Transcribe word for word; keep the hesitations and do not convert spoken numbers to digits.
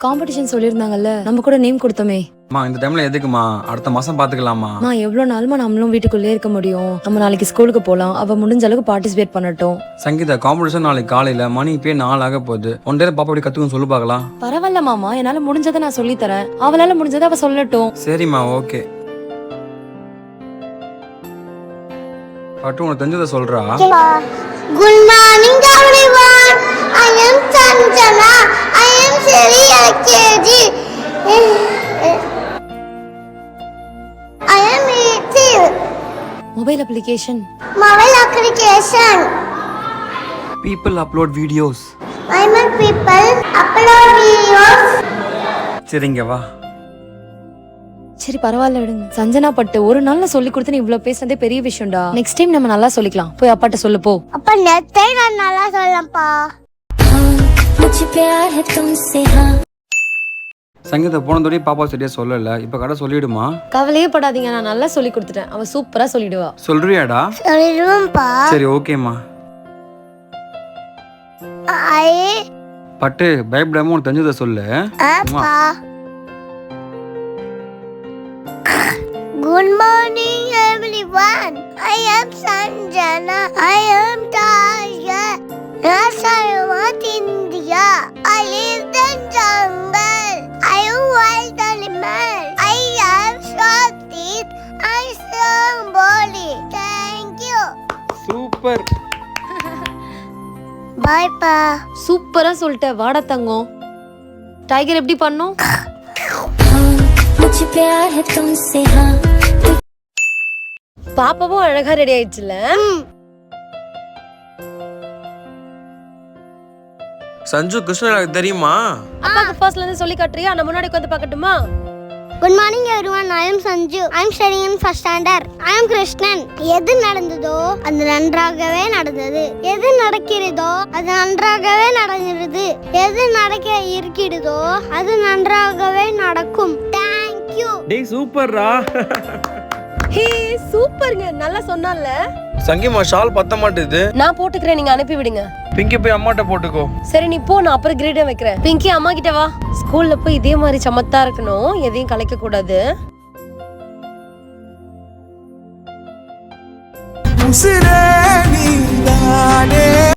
Competition சொல்லிருந்தாங்கல்ல, நம்ம கூட name கொடுத்தோமே. அம்மா இந்த டைம்ல எதுக்குமா? அடுத்த மாசம் பாத்துக்கலாமா? அம்மா எவ்வளவு நாளுமா நம்மளும் வீட்டுக்குள்ளே இருக்க முடியும்? நம்ம நாளைக்கு ஸ்கூலுக்கு போலாம். அவ முடிஞ்ச அளவுக்கு பார்ட்டிசிபேட் பண்ணட்டும். சங்கீதா காம்படிஷன் நாளைக்கு காலையில மணி இப்பயே நாலு ஆக போகுது. ஒன் டே பாப்பா அப்படி கத்துக்கும் சொல்லு பாக்கலாம். பரவாயில்ல மாமா, என்னால முடிஞ்சதை நான் சொல்லி தரேன். அவளால முடிஞ்சதை அவ சொல்லட்டும். சரிம்மா, ஓகே. பட்டு உனக்கு தெரிஞ்சதை சொல்றா. Good morning everyone. I am Sanjana. I am Siri L K G. I am eighteen. Mobile application. Mobile application. People upload videos. I am people upload videos. சரிங்க வா. சரி பரவாயில்ல விடுங்க. சஞ்சனா பட்டு ஒரு நாள்ல சொல்லி கொடுத்து நீ இவ்வளவு பேசுனதே பெரிய விஷயம்டா. நெக்ஸ்ட் டைம் நம்ம நல்லா சொல்லிக்கலாம். போய் அப்பாட்ட சொல்லு போ. அப்ப நெக்ஸ்ட் டைம் நான் நல்லா சொல்லப்பா. मुझे प्यार है तुमसे हां. சங்கீதா போனதோட பாப்பா சரியா சொல்லல. இப்ப கடை சொல்லிடுமா? கவலையே படாதீங்க, நான் நல்லா சொல்லி கொடுத்துட்டேன். அவ சூப்பரா சொல்லிடுவா. சொல்றியாடா? சொல்லிடுவேன்ப்பா. சரி ஓகேம்மா. ஐ பட்டு பயப்படாம உனக்கு தெரிஞ்சதை சொல்லு. அப்பா. Good morning everyone. I am Sanjana. I am Tasha. Nasamat India. I live in jungle. I am wild animal. I am short teeth. I am body. Thank you. Super. Bye pa. சூப்பரா சொல்லிட்ட. வாடா தங்கம். Tiger எப்படி பண்ணும்? मुझे प्यार है तुमसे हां. பாப்பாவும் அழகா ரெடி ஆயிடுச்சுல. சஞ்சு கிருஷ்ணராஜ் தெரியுமா? அப்பாக்கு ஃபர்ஸ்ட்ல இருந்து சொல்லி காட்டுறியா? நான் முன்னாடி உட்கார்ந்து பார்க்கட்டுமா? Good morning everyone. I am Sanju. I am studying in first standard. I am Krishnan. எது நடந்ததோ அது நன்றாகவே நடந்தது. எது நடக்கிறதோ அது நன்றாகவே நடக்கிறது. எது நடக்க இருக்கிறதோ அது நன்றாகவே நடக்கும். Thank you. டேய் சூப்பர்ரா. ஹே சூப்பர்ங்க. நல்லா சொன்னால. சங்கிமா ஷால் பத்த மாட்டேது. நான் போட்டுக்கிறேன், நீங்க அனுப்பி விடுங்க. பிங்கி போய் அம்மாட்ட போட்டுக்கோ. சரி நீ போ, நான் அப்புறம் கிரேட் வைக்கிறேன். பிங்கி அம்மா கிட்ட வா. ஸ்கூல்ல போய் இதே மாதிரி சமத்தா இருக்கணும், எதையும் கலைக்க கூடாது. உசிரே நீதானே